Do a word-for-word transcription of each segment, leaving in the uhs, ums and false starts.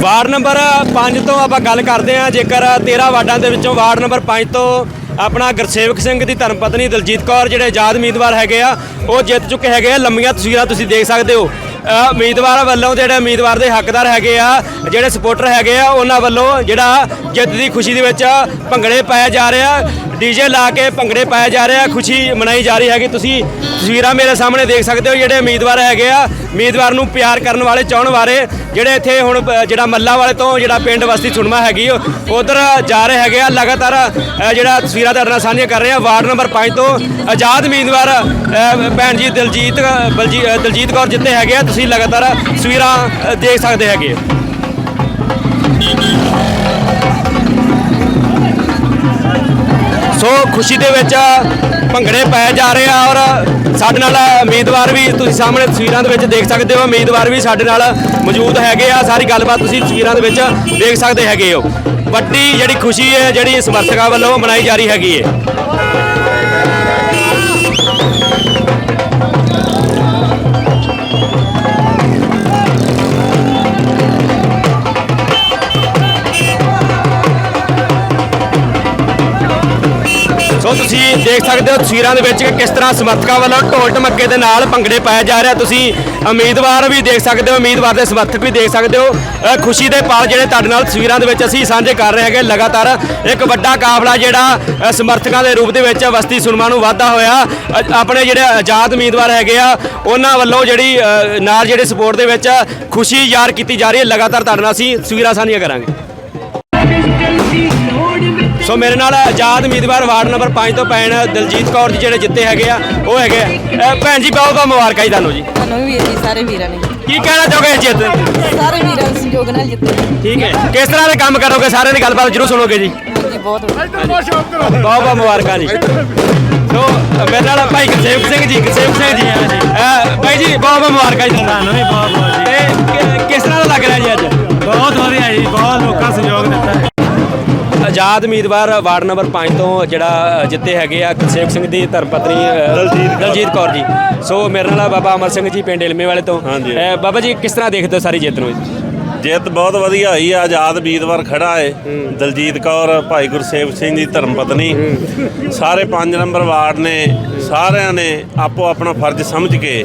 Ward number ਪੰਜ ਤੋਂ ਆਪਾਂ ਗੱਲ ਕਰਦੇ ਹਾਂ। ਜੇਕਰ ਤੇਰਾਂ ਵਾਰਡਾਂ ਦੇ ਵਿੱਚੋਂ ਵਾਰਡ ਨੰਬਰ ਪੰਜ ਤੋਂ ਆਪਣਾ ਗੁਰਸੇਵਕ ਸਿੰਘ ਦੀ ਧਰਮ ਪਤਨੀ ਦਲਜੀਤ ਕੌਰ ਜਿਹੜੇ ਆਜ਼ਾਦ ਉਮੀਦਵਾਰ ਹੈਗੇ ਆ ਉਹ ਜਿੱਤ ਚੁੱਕੇ ਹੈਗੇ ਆ। ਲੰਮੀਆਂ ਤਸਵੀਰਾਂ ਤੁਸੀਂ ਦੇਖ ਸਕਦੇ ਹੋ। ਉਮੀਦਵਾਰ ਵੱਲੋਂ ਜਿਹੜੇ ਉਮੀਦਵਾਰ ਦੇ ਹੱਕਦਾਰ ਹੈਗੇ ਆ, ਜਿਹੜੇ ਸਪੋਰਟਰ ਹੈਗੇ ਆ, ਉਹਨਾਂ ਵੱਲੋਂ ਜਿਹੜਾ ਜਿੱਤ ਦੀ ਖੁਸ਼ੀ ਦੇ ਵਿੱਚ ਭੰਗੜੇ ਪਾਇਆ ਜਾ ਰਿਹਾ, ਡੀਜੇ ਲਾ ਕੇ ਭੰਗੜੇ ਪਾਇਆ ਜਾ ਰਿਹਾ, ਖੁਸ਼ੀ ਮਨਾਈ ਜਾ ਰਹੀ ਹੈਗੀ। ਤੁਸੀਂ ਤਸਵੀਰਾਂ ਮੇਰੇ ਸਾਹਮਣੇ ਦੇਖ ਸਕਦੇ ਹੋ। ਜਿਹੜੇ ਉਮੀਦਵਾਰ ਹੈਗੇ ਆ, ਉਮੀਦਵਾਰ ਨੂੰ ਪਿਆਰ ਕਰਨ ਵਾਲੇ, ਚਾਹਣ ਵਾਲੇ ਜਿਹੜੇ ਇੱਥੇ ਹੁਣ ਜਿਹੜਾ ਮੱਲਾ ਵਾਲੇ ਤੋਂ ਜਿਹੜਾ ਪਿੰਡ ਬਸਤੀ ਸੁਣਮਾ ਹੈਗੀ ਉਧਰ ਜਾ ਰਹੇ ਹੈਗੇ ਆ। ਲਗਾਤਾਰ ਜਿਹੜਾ ਤਸਵੀਰਾਂ ਤੁਹਾਡੇ ਨਾਲ ਸਾਂਝੀਆਂ ਕਰ ਰਹੇ ਆ। ਵਾਰਡ ਨੰਬਰ ਪੰਜ ਤੋਂ ਆਜ਼ਾਦ ਉਮੀਦਵਾਰ ਭੈਣ ਜੀ ਦਲਜੀਤ ਦਲਜੀਤ ਕੌਰ ਜਿੱਤੇ ਹੈਗੇ ਆ। ਤੁਸੀਂ ਲਗਾਤਾਰ ਤਸਵੀਰਾਂ ਦੇਖ ਸਕਦੇ ਹੈਗੇ। ਸੋ ਖੁਸ਼ੀ ਦੇ ਵਿੱਚ ਭੰਗੜੇ ਪਾਏ ਜਾ ਰਹੇ ਆ ਔਰ ਸਾਡੇ ਨਾਲ ਉਮੀਦਵਾਰ ਵੀ ਤੁਸੀਂ ਸਾਹਮਣੇ ਤਸਵੀਰਾਂ ਦੇ ਵਿੱਚ ਦੇਖ ਸਕਦੇ ਹੋ। ਉਮੀਦਵਾਰ ਵੀ ਸਾਡੇ ਨਾਲ ਮੌਜੂਦ ਹੈਗੇ ਆ। ਸਾਰੀ ਗੱਲਬਾਤ ਤੁਸੀਂ ਤਸਵੀਰਾਂ ਦੇ ਵਿੱਚ ਦੇਖ ਸਕਦੇ ਹੈਗੇ ਹੋ। ਵੱਡੀ ਜਿਹੜੀ ਖੁਸ਼ੀ ਹੈ ਜਿਹੜੀ ਸਮਰਥਕਾਂ ਵੱਲੋਂ ਮਨਾਈ ਜਾ ਰਹੀ ਹੈਗੀ ਹੈ। ਸੋ ਤੁਸੀਂ ਦੇਖ ਸਕਦੇ ਹੋ ਤਸਵੀਰਾਂ ਦੇ ਵਿੱਚ ਕਿ ਕਿਸ ਤਰ੍ਹਾਂ ਸਮਰਥਕਾਂ ਵੱਲੋਂ ਢੋਲ ਢਮੱਕੇ ਦੇ ਨਾਲ ਭੰਗੜੇ ਪਾਇਆ ਜਾ ਰਿਹਾ। ਤੁਸੀਂ ਉਮੀਦਵਾਰ ਵੀ ਦੇਖ ਸਕਦੇ ਹੋ, ਉਮੀਦਵਾਰ ਦੇ ਸਮਰਥਕ ਵੀ ਦੇਖ ਸਕਦੇ ਹੋ। ਖੁਸ਼ੀ ਦੇ ਪਲ ਜਿਹੜੇ ਤੁਹਾਡੇ ਨਾਲ ਤਸਵੀਰਾਂ ਦੇ ਵਿੱਚ ਅਸੀਂ ਸਾਂਝੇ ਕਰ ਰਹੇ ਹੈਗੇ। ਲਗਾਤਾਰ ਇੱਕ ਵੱਡਾ ਕਾਫਲਾ ਜਿਹੜਾ ਸਮਰਥਕਾਂ ਦੇ ਰੂਪ ਦੇ ਵਿੱਚ ਬਸਤੀ ਸੁਣਮਾ ਨੂੰ ਵਾਧਾ ਹੋਇਆ। ਆਪਣੇ ਜਿਹੜੇ ਆਜ਼ਾਦ ਉਮੀਦਵਾਰ ਹੈਗੇ ਆ ਉਹਨਾਂ ਵੱਲੋਂ ਜਿਹੜੀ ਨਾਲ ਜਿਹੜੇ ਸਪੋਰਟ ਦੇ ਵਿੱਚ ਖੁਸ਼ੀ ਜ਼ਾਹਰ ਕੀਤੀ ਜਾ ਰਹੀ ਹੈ। ਲਗਾਤਾਰ ਤੁਹਾਡੇ ਨਾਲ ਅਸੀਂ ਤਸਵੀਰਾਂ ਸਾਂਝੀਆਂ ਕਰਾਂਗੇ। ਸੋ ਮੇਰੇ ਨਾਲ ਆਜ਼ਾਦ ਉਮੀਦਵਾਰ ਵਾਰਡ ਨੰਬਰ ਪੰਜ ਤੋਂ ਭੈਣ ਦਲਜੀਤ ਕੌਰ ਜੀ ਜਿਹੜੇ ਜਿੱਤੇ ਹੈਗੇ ਆ ਉਹ ਹੈਗੇ ਆ। ਭੈਣ ਜੀ ਬਹੁਤ ਬਹੁਤ ਮੁਬਾਰਕਾਂ ਜੀ ਤੁਹਾਨੂੰ ਜੀ। ਤੁਹਾਨੂੰ ਵੀ ਵੀਰ ਜੀ, ਸਾਰੇ ਵੀਰਾਂ ਨੇ। ਕੀ ਕਹਿਣਾ ਚਾਹੋਗੇ ਜਿੱਤ? ਸਾਰੇ ਵੀਰਾਂ ਦੇ ਸਹਿਯੋਗ ਨਾਲ ਜਿੱਤੇ। ਠੀਕ ਹੈ, ਕਿਸ ਤਰ੍ਹਾਂ ਦੇ ਕੰਮ ਕਰੋਗੇ? ਸਾਰਿਆਂ ਦੀ ਗੱਲਬਾਤ ਜ਼ਰੂਰ ਸੁਣੋਗੇ ਜੀ। ਜੀ ਬਹੁਤ ਬਹੁਤ ਬਹੁਤ ਮੁਬਾਰਕਾਂ ਜੀ। ਸੋ ਮੇਰੇ ਨਾਲ ਭਾਈ ਗੁਰਸੇਵਕ ਸਿੰਘ ਜੀ ਗੁਰਸੇਵਕ ਸਿੰਘ ਜੀ ਭਾਈ ਜੀ ਬਹੁਤ ਬਹੁਤ ਮੁਬਾਰਕਾਂ ਜੀ ਤੁਹਾਨੂੰ ਵੀ ਬਹੁਤ ਬਹੁਤ। ਤੇ ਕਿਸ ਤਰ੍ਹਾਂ ਦਾ ਲੱਗ ਰਿਹਾ ਜੀ ਅੱਜ? ਬਹੁਤ ਵਧੀਆ ਜੀ, ਬਹੁਤ ਲੋਕਾਂ ਸਹਿਯੋਗ ਦਿੱਤਾ ਹੈ। ਆਜ਼ਾਦ ਉਮੀਦਵਾਰ ਵਾਰਡ ਨੰਬਰ ਪੰਜ ਤੋਂ ਜਿਹੜਾ ਜਿੱਤੇ ਹੈਗੇ ਆ ਗੁਰਸੇਵਕ ਸਿੰਘ ਦੀ ਧਰਮ ਪਤਨੀ ਦਲਜੀਤ ਦਲਜੀਤ ਕੌਰ ਜੀ। ਸੋ ਮੇਰੇ ਨਾਲ ਬਾਬਾ ਅਮਰ ਸਿੰਘ ਜੀ ਪਿੰਡ ਇਲਮੇ ਵਾਲੇ ਤੋਂ। ਬਾਬਾ ਜੀ ਕਿਸ ਤਰ੍ਹਾਂ ਦੇਖਦੇ ਹੋ ਸਾਰੀ ਜਿੱਤ ਨੂੰ? ਜਿੱਤ ਬਹੁਤ ਵਧੀਆ ਹੋਈ ਆ। ਆਜ਼ਾਦ ਉਮੀਦਵਾਰ ਖੜਾ ਹੈ ਦਲਜੀਤ ਕੌਰ, ਭਾਈ ਗੁਰਸੇਵਕ ਸਿੰਘ ਦੀ ਧਰਮ ਪਤਨੀ। ਸਾਰੇ ਪੰਜ ਨੰਬਰ ਵਾਰਡ ਨੇ ਸਾਰਿਆਂ ਨੇ ਆਪੋ ਆਪਣਾ ਫਰਜ਼ ਸਮਝ ਕੇ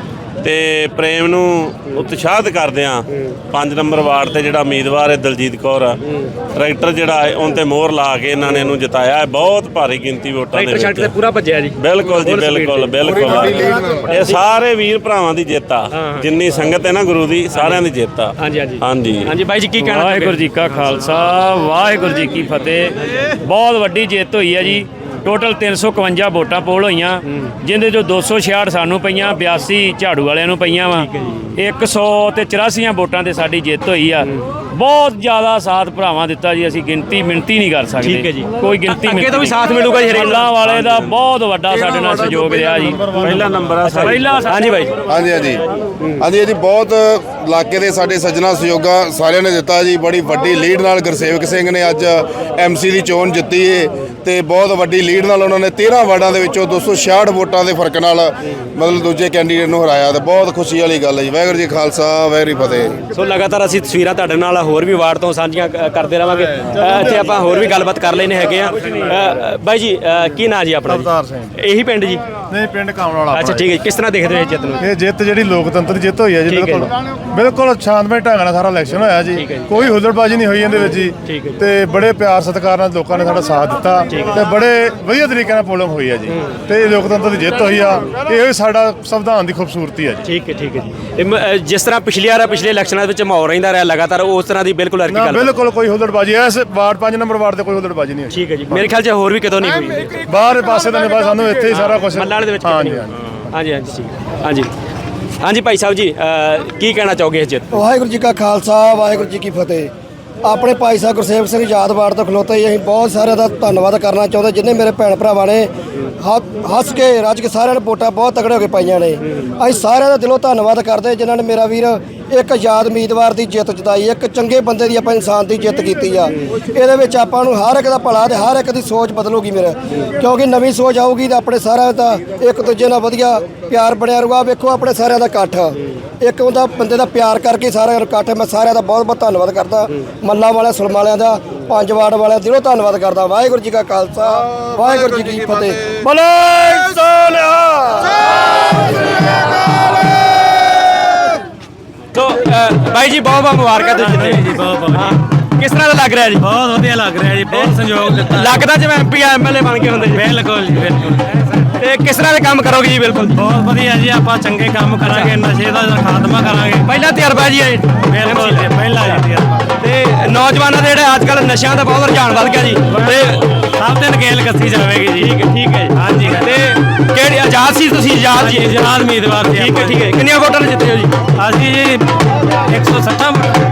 ਤੇ ਪ੍ਰੇਮ ਨੂੰ ਉਤਸ਼ਾਹਿਤ ਕਰਦਿਆਂ ਪੰਜ ਨੰਬਰ ਵਾਰਡ ਤੇ ਜਿਹੜਾ ਉਮੀਦਵਾਰ ਹੈ ਦਲਜੀਤ ਕੌਰ ਆ, ਟਰੈਕਟਰ ਜਿਹੜਾ ਹੈ ਉਹਨ ਤੇ ਮੋਹਰ ਲਾ ਕੇ ਇਹਨਾਂ ਨੇ ਇਹਨੂੰ ਜਿਤਾਇਆ ਹੈ। ਬਹੁਤ ਭਾਰੀ ਗਿਣਤੀ ਵੋਟਾਂ ਦੇ ਵਿੱਚ ਪੂਰਾ ਭੱਜਿਆ ਜੀ। ਬਿਲਕੁਲ ਜੀ, ਬਿਲਕੁਲ ਬਿਲਕੁਲ। ਇਹ ਸਾਰੇ ਵੀਰ ਭਰਾਵਾਂ ਦੀ ਜਿੱਤ ਆ। ਜਿੰਨੀ ਸੰਗਤ ਹੈ ਨਾ ਗੁਰੂ ਦੀ, ਸਾਰਿਆਂ ਦੀ ਜਿੱਤ ਆ। ਹਾਂਜੀ ਹਾਂਜੀ ਹਾਂਜੀ ਹਾਂਜੀ ਬਾਈ ਜੀ ਕੀ ਕਹਿਣਾ? ਵਾਹਿਗੁਰੂ ਜੀ ਕਾ ਖਾਲਸਾ, ਵਾਹਿਗੁਰੂ ਜੀ ਕੀ ਫਤਿਹ। ਬਹੁਤ ਵੱਡੀ ਜਿੱਤ ਹੋਈ ਹੈ ਜੀ। ਟੋਟਲ ਤਿੰਨ ਸੌ ਇਕਵੰਜਾ ਵੋਟਾਂ ਪੋਲ ਹੋਈਆਂ, ਜਿੰਦੇ ਚੋਂ ਦੋ ਸੌ ਛਿਆਹਠ ਸਾਨੂੰ ਪਈਆਂ, ਬਿਆਸੀ ਝਾੜੂ ਵਾਲਿਆਂ ਨੂੰ ਪਈਆਂ ਵਾ। ਇੱਕ ਸੌ ਤੇ ਚੁਰਾਸੀਆਂ ਵੋਟਾਂ ਤੇ ਸਾਡੀ ਜਿੱਤ ਹੋਈ ਆ। ਬਹੁਤ ਜ਼ਿਆਦਾ ਸਾਥ ਭਰਾਵਾਂ ਦਿੱਤਾ ਜੀ। ਅਸੀਂ ਗਿਣਤੀ ਮਿਣਤੀ ਨਹੀਂ ਕਰ ਸਕਦੇ। ਠੀਕ ਹੈ ਜੀ, ਕੋਈ ਗਿਣਤੀ ਅੱਗੇ ਤੋਂ ਵੀ ਸਾਥ ਮਿਲੂਗਾ ਜੀ। ਅੱਲਾ ਵਾਲੇ ਦਾ ਬਹੁਤ ਵੱਡਾ ਸਾਡੇ ਨਾਲ ਸਹਿਯੋਗ ਰਿਹਾ ਜੀ। ਪਹਿਲਾ ਨੰਬਰ ਆ ਪਹਿਲਾ। ਹਾਂਜੀ ਬਾਈ। ਹਾਂਜੀ ਹਾਂਜੀ ਹਾਂਜੀ ਜੀ, ਬਹੁਤ ਇਲਾਕੇ ਦੇ ਸਾਡੇ ਸੱਜਣਾ ਸਹਿਯੋਗਾ ਸਾਰਿਆਂ ਨੇ ਦਿੱਤਾ ਜੀ। ਬੜੀ ਵੱਡੀ ਲੀਡ ਨਾਲ ਗੁਰਸੇਵਕ ਸਿੰਘ ਨੇ ਅੱਜ ਐਮਸੀ ਦੀ ਚੋਣ ਜਿੱਤੀ ਏ ਤੇ ਬਹੁਤ ਵੱਡੀ ਲੀਡ ਨਾਲ ਉਹਨਾਂ ਨੇ ਤੇਰਾਂ ਵਾਰਡਾਂ ਦੇ ਵਿੱਚੋਂ ਦੋ ਸੌ ਛਿਆਹਠ ਵੋਟਾਂ ਦੇ ਫਰਕ ਨਾਲ ਮਤਲਬ ਦੂਜੇ ਕੈਂਡੀਡੇਟ ਨੂੰ ਹਰਾਇਆ ਤੇ ਬਹੁਤ ਖੁਸ਼ੀ ਵਾਲੀ ਗੱਲ ਹੈ ਜੀ। ਵਾਹਿਗੁਰੂ ਜੀ ਖਾਲਸਾ, ਵਾਹਿਗੁਰੂ ਫਤਿਹ। ਸੋ ਲਗਾਤਾਰ ਅਸੀਂ ਤਸਵੀਰਾਂ ਤੁਹਾਡੇ ਨਾਲ ਹੋਰ ਵੀ ਵਾਰਡ ਤੋਂ ਸਾਂਝੀਆਂ ਕਰਦੇ ਰਹਾਂਗੇ। ਇੱਥੇ ਆਪਾਂ ਹੋਰ ਵੀ ਗੱਲਬਾਤ ਕਰ ਲੈਣੇ ਹੈਗੇ ਆ। ਬਾਈ ਜੀ ਕੀ ਨਾਂ ਜੀ ਆਪਣਾ? ਅਵਤਾਰ ਸਿੰਘ। ਇਹੀ ਪਿੰਡ ਜੀ? ਨਹੀਂ, ਪਿੰਡ ਕਾਮਣ ਵਾਲਾ। ਅੱਛਾ ਠੀਕ ਹੈ। ਕਿਸ ਤਰ੍ਹਾਂ ਦੇਖਦੇ ਹੋ ਜਿੱਤ ਨੂੰ? ਇਹ ਜਿੱਤ ਜਿਹੜੀ ਲੋਕਤੰਤਰ ਜਿੱਤ ਹੋਈ ਹੈ ਜੀ, ਬਿਲਕੁਲ ਬਿਲਕੁਲ ਸ਼ਾਂਤਮਈ ਢੰਗ ਨਾਲ ਸਾਰਾ ਇਲੈਕਸ਼ਨ ਹੋਇਆ ਜੀ। ਕੋਈ ਹੁੱਲੜਬਾਜ਼ੀ ਨਹੀਂ ਹੋਈ ਇਹਦੇ ਵਿੱਚ ਜੀ। ਤੇ ਬੜੇ ਪਿਆਰ ਸਤਿਕਾਰ ਨਾਲ ਲੋਕਾਂ ਨੇ ਸਾਡਾ ਸਾਥ ਦਿੱਤਾ ਤੇ ਬੜੇ ਵਧੀਆ ਤਰੀਕੇ ਨਾਲ ਪੋਲਿੰਗ ਹੋਈ ਹੈ ਜੀ। ਤੇ ਇਹ ਲੋਕਤੰਤਰ ਦੀ ਜਿੱਤ ਹੋਈ ਆ। ਇਹ ਸਾਡਾ ਸੰਵਿਧਾਨ ਦੀ ਖੂਬਸੂਰਤੀ ਹੈ ਜੀ। ਠੀਕ ਹੈ ਠੀਕ ਹੈ ਜੀ। ਜਿਸ ਤਰ੍ਹਾਂ ਪਿਛਲੀ ਵਾਰ ਪਿਛਲੇ ਇਲੈਕਸ਼ਨਾਂ ਵਿੱਚ ਮਾਹੌਲ ਰਹਿੰਦਾ ਰਿਹਾ ਲਗਾਤਾਰ, ਉਸ ਤਰ੍ਹਾਂ ਦੀ ਬਿਲਕੁਲ ਹਰ ਗੱਲ ਬਿਲਕੁਲ ਕੋਈ ਹੁੱਲੜਬਾਜ਼ੀ ਇਸ ਵਾਰਡ ਪੰਜ ਨੰਬਰ ਵਾਰਡ ਤੇ ਕੋਈ ਹੁੱਲੜਬਾਜ਼ੀ ਨਹੀਂ ਹੋਈ। ਠੀਕ ਹੈ ਜੀ। ਮੇਰੇ ਖਿਆਲ 'ਚ ਹੋਰ ਵੀ ਕਿਤੋਂ ਨਹੀਂ ਹੋਈ। ਬਾਹਰ ਪਾਸੇ ਤਾਂ ਨਹੀਂ, ਬਸ ਸਾਨੂੰ ਇੱਥੇ ਹੀ ਸਾਰਾ ਕੁਝ ਮੱਲਾਂ ਦੇ ਵਿੱਚ। ਹਾਂਜੀ ਹਾਂਜੀ ਹਾਂਜੀ ਠੀਕ। ਹਾਂਜੀ ਹਾਂਜੀ ਭਾਈ ਸਾਹਿਬ ਜੀ ਕੀ ਕਹਿਣਾ ਚਾਹੋਗੇ ਇਸ ਜਿੱਤ? ਵਾਹਿਗੁਰੂ ਜੀ ਕਾ ਖਾਲਸਾ, ਵਾਹਿਗੁਰੂ ਜੀ ਕੀ ਫਤਿਹ। ਆਪਣੇ ਭਾਈ ਸਾਹਿਬ ਗੁਰਸੇਵਕ ਸਿੰਘ ਆਜ਼ਾਦ ਵਾਰਡ ਤੋਂ ਖਲੋਤੇ ਹੀ ਅਸੀਂ ਬਹੁਤ ਸਾਰਿਆਂ ਦਾ ਧੰਨਵਾਦ ਕਰਨਾ ਚਾਹੁੰਦੇ, ਜਿੰਨੇ ਮੇਰੇ ਭੈਣ ਭਰਾਵਾਂ ਨੇ ਹੱਸ ਕੇ ਰੱਜ ਕੇ ਸਾਰਿਆਂ ਨੇ ਵੋਟਾਂ ਬਹੁਤ ਤਗੜੇ ਹੋ ਕੇ ਪਾਈਆਂ ਨੇ। ਅਸੀਂ ਸਾਰਿਆਂ ਦਾ ਦਿਲੋਂ ਧੰਨਵਾਦ ਕਰਦੇ ਜਿਨ੍ਹਾਂ ਨੇ ਮੇਰਾ ਵੀਰ ਇੱਕ ਆਜ਼ਾਦ ਉਮੀਦਵਾਰ ਦੀ ਜਿੱਤ ਜਿਤਾਈ, ਇੱਕ ਚੰਗੇ ਬੰਦੇ ਦੀ ਆਪਾਂ ਇਨਸਾਨ ਦੀ ਜਿੱਤ ਕੀਤੀ ਆ। ਇਹਦੇ ਵਿੱਚ ਆਪਾਂ ਨੂੰ ਹਰ ਇੱਕ ਦਾ ਭਲਾ ਤੇ ਹਰ ਇੱਕ ਦੀ ਸੋਚ ਬਦਲੂਗੀ ਮੇਰੇ, ਕਿਉਂਕਿ ਨਵੀਂ ਸੋਚ ਆਊਗੀ ਤਾਂ ਆਪਣੇ ਸਾਰਿਆਂ ਦਾ ਇੱਕ ਦੂਜੇ ਨਾਲ ਵਧੀਆ ਪਿਆਰ ਬਣਿਆ ਰਹੂਗਾ। ਵੇਖੋ ਆਪਣੇ ਸਾਰਿਆਂ ਦਾ ਇਕੱਠ, ਇੱਕ ਉਹਦਾ ਬੰਦੇ ਦਾ ਪਿਆਰ ਕਰਕੇ ਸਾਰਿਆਂ ਦਾ ਇਕੱਠ। ਮੈਂ ਸਾਰਿਆਂ ਦਾ ਬਹੁਤ ਬਹੁਤ ਧੰਨਵਾਦ ਕਰਦਾ, ਮੱਲਾ ਵਾਲਿਆਂ, ਸੁਲਮ ਵਾਲਿਆਂ ਦਾ, ਪੰਜ ਵਾਰਡ ਵਾਲਿਆਂ ਦਿਲੋਂ ਧੰਨਵਾਦ ਕਰਦਾ। ਵਾਹਿਗੁਰੂ ਜੀ ਕਾ ਖਾਲਸਾ, ਵਾਹਿਗੁਰੂ ਜੀ ਕੀ ਫਤਿਹ। ਬੋਲੇ ਸੋਨਿਹਾ। ਸੋ ਅ, ਬਾਈ ਜੀ ਬਹੁਤ ਬਹੁਤ ਮੁਬਾਰਕਾਂ ਤੁਸੀਂ ਜਿੱਤੇ ਜੀ। ਬਹੁਤ ਬਹੁਤ ਕਿਸ ਤਰ੍ਹਾਂ ਦਾ ਲੱਗ ਰਿਹਾ ਜੀ? ਬਹੁਤ ਵਧੀਆ ਲੱਗ ਰਿਹਾ ਜੀ, ਬਹੁਤ ਸੰਯੋਗ ਦਿੱਤਾ। ਲੱਗਦਾ ਜਿਵੇਂ ਐਮਪੀ ਐਮਐਲਏ ਬਣ ਕੇ ਹੁੰਦੇ ਜੀ। ਬਿਲਕੁਲ ਜੀ, ਬਿਲਕੁਲ। ਤੇ ਕਿਸ ਤਰ੍ਹਾਂ ਦੇ ਕੰਮ ਕਰੋਗੇ ਜੀ? ਬਿਲਕੁਲ ਬਹੁਤ ਵਧੀਆ ਜੀ, ਆਪਾਂ ਚੰਗੇ ਕੰਮ ਕਰਾਂਗੇ, ਨਸ਼ੇ ਦਾ ਖਾਤਮਾ ਕਰਾਂਗੇ। ਪਹਿਲਾ ਤਜਰਬਾ ਜੀ ਇਹ। ਬਿਲਕੁਲ ਜੀ, ਪਹਿਲਾ ਜੀ। ਤੇ ਨੌਜਵਾਨਾਂ ਦੇ ਜਿਹੜੇ ਅੱਜ ਕੱਲ੍ਹ ਨਸ਼ਿਆਂ ਦਾ ਬਹੁਤ ਰੁਝਾਨ ਵੱਧ ਗਿਆ ਜੀ, ਤੇ ਸਭ ਤੇ ਨਕੇਲ ਕੱਸੀ ਜਾਵੇਗੀ ਜੀ। ਠੀਕ ਹੈ ਠੀਕ ਹੈ ਜੀ। ਹਾਂਜੀ। ਤੇ ਕਿਹੜੀ ਆਜ਼ਾਦ ਸੀ ਤੁਸੀਂ? ਆਜ਼ਾਦ ਜੀ, ਆਜ਼ਾਦ ਉਮੀਦਵਾਰ ਸੀ। ਠੀਕ ਹੈ ਠੀਕ ਹੈ। ਕਿੰਨੀਆਂ ਵੋਟਾਂ ਨਾਲ ਜਿੱਤੇ ਹੋ ਜੀ? ਅਸੀਂ ਜੀ ਇੱਕ ਸੌ ਸੱਠਾਂ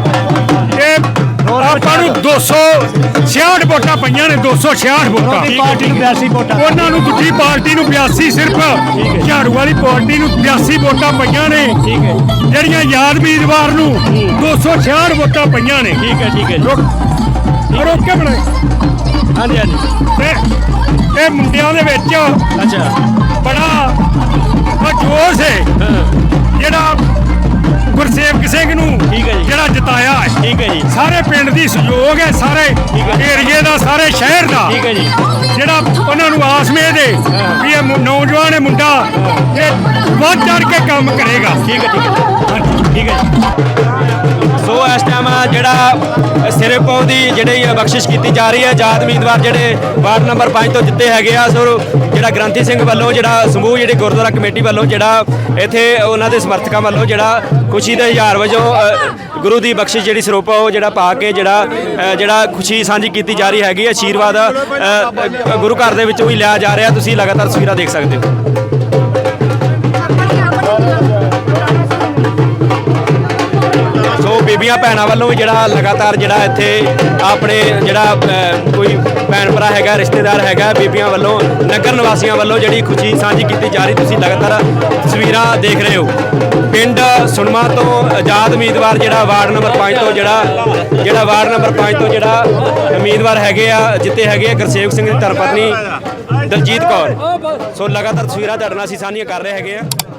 ਆਪਾਂ ਨੂੰ ਦੋ ਸੌ ਛਿਆਹਠ ਵੋਟਾਂ ਪਈਆਂ ਨੇ, ਦੋ ਸੌ ਛਿਆਹਠ ਵੋਟਾਂ। ਪਾਰਟੀ ਨੂੰ ਬਿਆਸੀ ਵੋਟਾਂ, ਉਹਨਾਂ ਨੂੰ ਦੂਜੀ ਪਾਰਟੀ ਨੂੰ ਬਿਆਸੀ, ਸਿਰਫ ਝਾੜੂ ਵਾਲੀ ਪਾਰਟੀ ਨੂੰ ਬਿਆਸੀ ਵੋਟਾਂ ਪਈਆਂ ਨੇ। ਠੀਕ ਹੈ ਜਿਹੜੀਆਂ ਆਜ਼ਾਦ ਉਮੀਦਵਾਰ ਨੂੰ ਦੋ ਸੌ ਛਿਆਹਠ ਵੋਟਾਂ ਪਈਆਂ ਨੇ। ਠੀਕ ਹੈ ਠੀਕ ਹੈ ਜੀ। ਰੁਕ ਰੁਕ ਕੇ ਬਣਾਏ ਹਾਂਜੀ ਹਾਂਜੀ। ਤੇ ਇਹ ਮੁੰਡਿਆਂ ਦੇ ਵਿੱਚ ਅੱਛਾ ਬੜਾ ਜੋਸ਼ ਹੈ ਜਿਹੜਾ ਗੁਰਸੇਵਕ ਸਿੰਘ ਨੂੰ ਠੀਕ ਹੈ ਜੀ। ਜਿਹੜਾ ਜਿਤਾਇਆ ਹੈ। ਠੀਕ ਹੈ ਜੀ। ਸਾਰੇ ਪਿੰਡ ਦੀ ਸਹਿਯੋਗ ਹੈ, ਸਾਰੇ ਏਰੀਏ ਦਾ, ਸਾਰੇ ਸ਼ਹਿਰ ਦਾ। ਠੀਕ ਹੈ ਜੀ। ਜਿਹੜਾ ਉਹਨਾਂ ਨੂੰ ਆਸ ਮੇਦ ਹੈ ਵੀ ਇਹ ਮੁ- ਨੌਜਵਾਨ ਇਹ ਮੁੰਡਾ ਇਹ ਵੱਧ ਚੜ ਕੇ ਕੰਮ ਕਰੇਗਾ। ਠੀਕ ਹੈ ਠੀਕ ਹੈ ਠੀਕ ਹੈ ਜੀ। ਸੋ ਇਸ ਟਾਈਮ ਜਿਹੜਾ ਸਿਰੇ ਪਾਉਣ ਦੀ ਜਿਹੜੀ ਬਖਸ਼ਿਸ਼ ਕੀਤੀ ਜਾ ਰਹੀ ਹੈ, ਆਜ਼ਾਦ ਉਮੀਦਵਾਰ ਜਿਹੜੇ ਵਾਰਡ ਨੰਬਰ ਪੰਜ ਤੋਂ ਜਿੱਤੇ ਹੈਗੇ ਆ। ਸੋ ਜਿਹੜਾ ਗ੍ਰੰਥੀ ਸਿੰਘ ਵੱਲੋਂ ਜਿਹੜਾ ਸਮੂਹ ਜਿਹੜੀ ਗੁਰਦੁਆਰਾ ਕਮੇਟੀ ਵੱਲੋਂ ਜਿਹੜਾ ਇੱਥੇ ਉਹਨਾਂ ਦੇ ਸਮਰਥਕਾਂ ਵੱਲੋਂ ਜਿਹੜਾ ਖੁਸ਼ੀ ਦੇ ਹਜ਼ਾਰ ਵਜੋਂ ਅ, ਗੁਰੂ ਦੀ ਬਖਸ਼ਿਸ਼ ਜਿਹੜੀ ਸਰੋਪਾ ਉਹ ਜਿਹੜਾ ਪਾ ਕੇ ਜਿਹੜਾ ਅ, ਜਿਹੜਾ ਖੁਸ਼ੀ ਸਾਂਝੀ ਕੀਤੀ ਜਾ ਰਹੀ ਹੈਗੀ ਹੈ। ਆਸ਼ੀਰਵਾਦ ਅ, ਅ, ਗੁਰੂ ਘਰ ਦੇ ਵਿੱਚੋਂ ਵੀ ਲਿਆ ਜਾ ਰਿਹਾ। ਤੁਸੀਂ ਲਗਾਤਾਰ ਤਸਵੀਰਾਂ ਦੇਖ ਸਕਦੇ ਹੋ। ਸੋ ਬੀਬੀਆਂ ਭੈਣਾਂ ਵੱਲੋਂ ਵੀ ਜਿਹੜਾ ਲਗਾਤਾਰ ਜਿਹੜਾ ਇੱਥੇ ਆਪਣੇ ਜਿਹੜਾ ਅ, ਕੋਈ ਭੈਣ ਭਰਾ ਹੈਗਾ, ਰਿਸ਼ਤੇਦਾਰ ਹੈਗਾ, ਬੀਬੀਆਂ ਵੱਲੋਂ, ਨਗਰ ਨਿਵਾਸੀਆਂ ਵੱਲੋਂ ਜਿਹੜੀ ਖੁਸ਼ੀ ਸਾਂਝੀ ਕੀਤੀ ਜਾ ਰਹੀ। ਤੁਸੀਂ ਲਗਾਤਾਰ ਤਸਵੀਰਾਂ ਦੇਖ ਰਹੇ ਹੋ। ਪਿੰਡ ਸੁਣਮਾ ਤੋਂ ਆਜ਼ਾਦ ਉਮੀਦਵਾਰ ਜਿਹੜਾ ਵਾਰਡ ਨੰਬਰ ਪੰਜ ਤੋਂ ਜਿਹੜਾ ਜਿਹੜਾ ਵਾਰਡ ਨੰਬਰ ਪੰਜ ਤੋਂ ਜਿਹੜਾ ਉਮੀਦਵਾਰ ਹੈਗੇ ਆ ਜਿੱਤੇ ਹੈਗੇ ਆ ਗੁਰਸੇਵਕ ਸਿੰਘ ਦੀ ਧਰਮ ਪਤਨੀ ਦਲਜੀਤ ਕੌਰ। ਸੋ ਲਗਾਤਾਰ ਤਸਵੀਰਾਂ ਤੁਹਾਡੇ ਨਾਲ ਅਸੀਂ ਸਾਂਝੀਆਂ ਕਰ ਰਹੇ ਹੈਗੇ ਆ।